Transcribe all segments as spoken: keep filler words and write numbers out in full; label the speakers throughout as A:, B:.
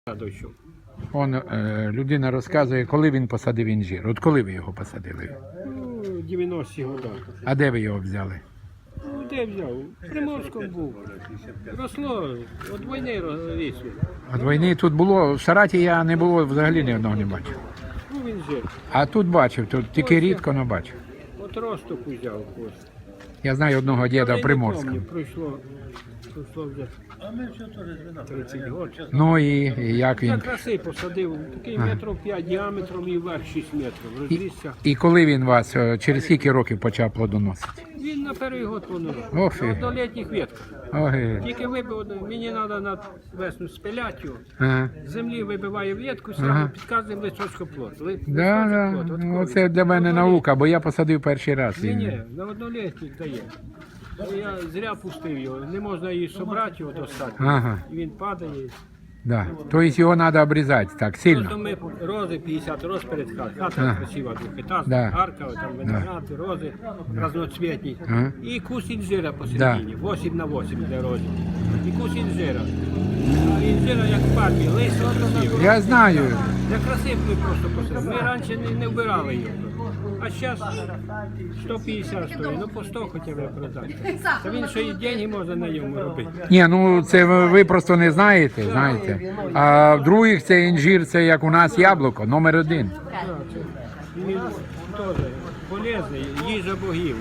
A: Дойшов.
B: Он, е, людина розказує, коли він посадив інжир. От коли ви його посадили?
A: Ну, дев'яності роки.
B: А де ви його взяли?
A: Ну, де взяв? В Приморському був. Росло, від війни рісло.
B: От війни тут було, в Сараті я не було, взагалі ні одного не бачив.
A: Ну, він жив.
B: А тут бачив, тут тільки рідко, але бачив.
A: От росток взяв. Ось.
B: Я знаю одного діда
A: Але
B: в
A: не
B: Приморському.
A: пам'ятаю, Пройшло, пройшло вже тридцять років.
B: Ну і, і як
A: Я
B: він?
A: краси посадив, такий
B: Ага.
A: метрів п'ять діаметром і вверх шість метрів.
B: І,
A: Розрісся.
B: і коли він вас, е, через скільки років почав плодоносити?
A: Він на перший год планував.
B: Ох,
A: На
B: і.
A: однолітніх ветках.
B: Ой.
A: Тільки вибив, мені треба на весну спиляти його.
B: Ага.
A: З землі вибиває ветку, сразу
B: Ага.
A: під кожним листочком плод. Ли-
B: Да,
A: листочок
B: да.
A: плод, от
B: Ну,
A: кожен.
B: це для мене
A: Однолітній.
B: наука, бо я посадив перший раз.
A: Ні,
B: І-
A: ні, на однолітніх дає. Ну, я зря пустив його, не можна її собрати, його достати.
B: Ага.
A: І він падає.
B: Да. Тобто його треба обрізати так
A: Просто
B: сильно.
A: ми рози п'ятдесят роз перед хатою. Хата
B: Ага.
A: красива, двохетажна,
B: Да.
A: арка, там виногради, рози разноцвітні.
B: Ага.
A: І кус інжира посередині, вісім на вісім для розів. І кус інжира. А інжира як в пальмі, листя красиве.
B: Я знаю.
A: Я красиво ми просто посадили. Ми раніше не, не вбирали його. А зараз сто п'ятдесят стоїть, ну по сто хоча б продати. Та він ще і деньги можна на ньому робити.
B: Ні, ну це ви ви просто не знаєте, знаєте. А в других це інжир, це як у нас яблуко, номер один.
A: Так, це- Він теж полезний, їжа богів.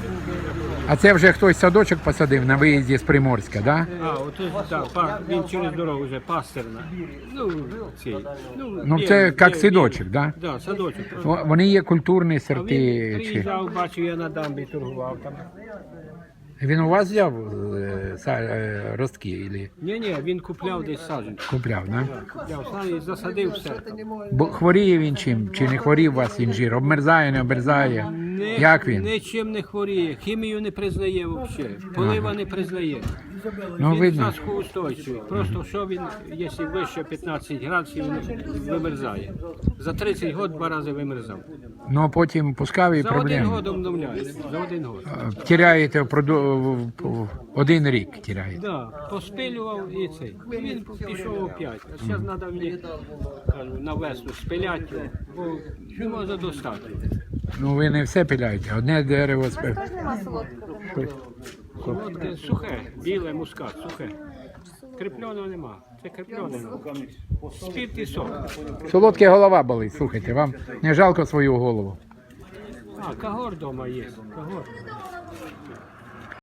B: А це вже хтось садочок посадив на виїзді з Приморська, да?
A: А, от так, па- він через дорогу вже пастерна. Ну, цей. Ну,
B: Ну
A: є-
B: це
A: є-
B: як
A: є-
B: садочок, да?
A: Да, садочок.
B: О, Вони є культурні
A: А він
B: сорти. Чи...
A: приїжджав, бачив, я на дамбі торгував там.
B: Він у вас взяв е, са- е, ростки или
A: Ні, ні, він купляв десь саджанці.
B: купляв, да?
A: Купляв саджанці і засадив все.
B: Бо хворіє він чим? Чи не хворів у вас інжир? Обмерзає, не обмерзає?
A: Не,
B: Як він?
A: Нічим не хворіє, хімію не признає взагалі, полива не признає.
B: Ну,
A: Він
B: видно.
A: засухоустойчивий. Просто що він, якщо вище п'ятнадцять градусів, він вимерзає. За тридцять років два рази вимерзав.
B: Ну а потім пускав і
A: За один
B: проблеми.
A: год обновляється. За один год.
B: Е, Тіряєте впроду- в- в- один рік тіряєте.
A: Да, поспилював і цей. Він пішов опять. А зараз треба мені кажу, на весну спиляти його, бо не можна достати.
B: Ну ви не все пиляєте, одне дерево спи.
A: Солодке, сухе, біле, мускат, сухе. Кріпленого нема. Це кріплене. Спірт і сок.
B: Солодке голова болить, слухайте, вам не жалко свою голову.
A: А, кагор вдома є. Кагор.